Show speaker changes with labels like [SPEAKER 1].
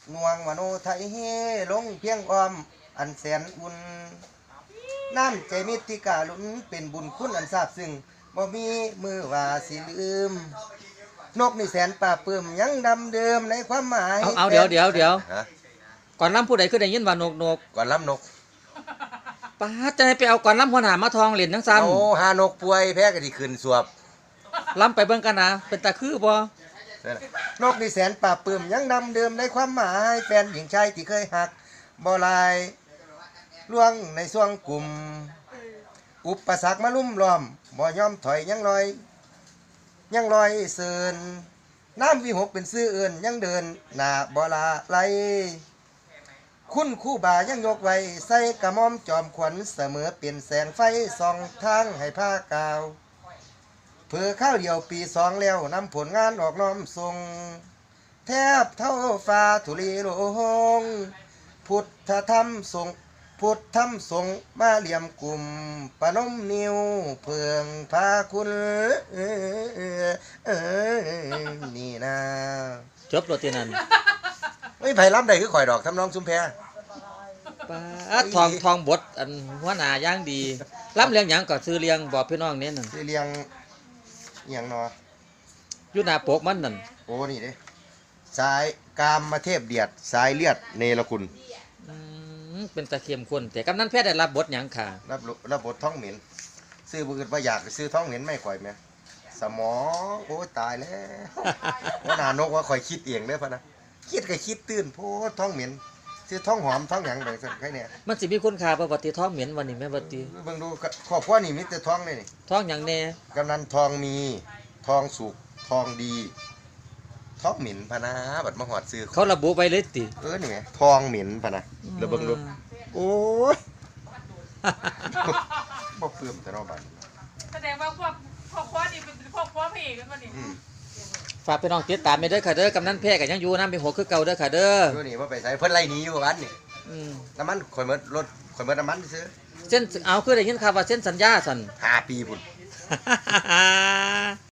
[SPEAKER 1] นวงมโนไทยเฮลงเพียงอ้อมอันแสนอุ่นน้ำใจมิตรที่กาลุนเป็นบุญคุณอันซาบซึ้งบ่มีมือว่าสิลืมนกนี่แสนป่าเปื้มยังดำเดิมในความหมาย
[SPEAKER 2] เอาเดี๋ยว
[SPEAKER 1] ฮะ
[SPEAKER 2] ก่อนล้ำผู้ใดคือได้ยินว่านก
[SPEAKER 1] ก่อนล้ำนก
[SPEAKER 2] ป้าจะให้ไปเอาก่อนล้ำหัวหน้ามาทองเหรียญทั้งซัน
[SPEAKER 1] เอาหานกป่วยแพ้ก็ที่ขึ้นสวบ
[SPEAKER 2] ล้ำไปเบิ่งกันนะเป็นตาคือบ่
[SPEAKER 1] นกนี่แสนป่าเปื้มยังดำเดิมในความหมายแฟนหญิงชายที่เคยหักบ่ลายล่วงในช่วงกลุ่มอุปสรรคมาลุ่มล้อมบ่ยอมถอยยังลอยเสินน้ำวิหกเป็นซื้อเอื่นยังเดินหน้าบ่ลาไหลคุณคู่บ่ายังยกไว้ใส่กระหม่อมจอมขวัญเสมอเป็นแสงไฟส่องทางให้ผ้ากาวเพื่อข้าวเดียวปีสองแล้วนำผลงานออกน้อมทรงแทบเท่าฟ้าธุลีโลงพุทธธรรมทรงพุทธธรรมทรงมาเหลี่ยมกลุ่มปนมนิ้วเพื่องพาคุณนี่นะ
[SPEAKER 2] จบโรตีนัน
[SPEAKER 1] ไม่ไผ่ล้ำใดคือข่อยดอกทำนองชุมแพ
[SPEAKER 2] ป้าทองบทอันหัวหน้าย่างดีล้ำเลี้ยงหยังก็ซื้อเลี้ยงบอกพี่น้องเน้นนั่น
[SPEAKER 1] สิเลียงอย่างเนาะ
[SPEAKER 2] อยู่หน้าปกมันนั่น
[SPEAKER 1] โอ้นี่เด้สายกามมาเทพเดียดสายเลือดเนรคุณ
[SPEAKER 2] เป็นตะเคียมคนแต่กำนันแพทย์ได้รับบทหยังค่ะ
[SPEAKER 1] รับบทท้องเหม็นซื้อบุญประหยัดซื้อท้องเหม็นไม่ข่อยไหมสมองโอ้ตายแล้วว่าหนานกว่าข่อยคิดเองเด้อพะนะคิดก็คิดตื่นโพท้องเหม็นซื้อท้องหอมท้องหยังแบบนั้นแค่นี้
[SPEAKER 2] มันสิมีคุณค่าประวัติท้องเหม็นวันนี้แม่บัติ
[SPEAKER 1] เบิ่งดูครอบครัวนี่มีแต่ท้องเลยนี่
[SPEAKER 2] ท้องหยังแน่
[SPEAKER 1] กำนันทองมีทองสุกทองดีท้องเหม็นพะนะบัดมาหอดซื้อ
[SPEAKER 2] เขาระบุไว้เลยติ
[SPEAKER 1] นี่ไงทองเหม็นพะนะแล้วเบิ่งดูโอ้ยบ่เพิ่มแต่นอกบ้าน
[SPEAKER 3] แสดงว่าพวกพ่อนี่เป็นพวกพ่อพระเอกกันมาดิ
[SPEAKER 2] ฝากพี่น้องติดตามไปเด้อค่ะเด้อกำนันแพทย์ก็ยังอยู่น้ำเป็นหัวคือเก่าเด้อค่ะเด้อ
[SPEAKER 1] ดูนี่ว่าไปใส่เพิ่นไล่หนีอยู่วันนี่น้ำมันข่อยเมิดรถข่อยเมิดน้ำมันซื้อ
[SPEAKER 2] เส้นเอาคือได้ยินข่าวว่าเส้นสัญญาสั่น
[SPEAKER 1] 5 ปีพุ่น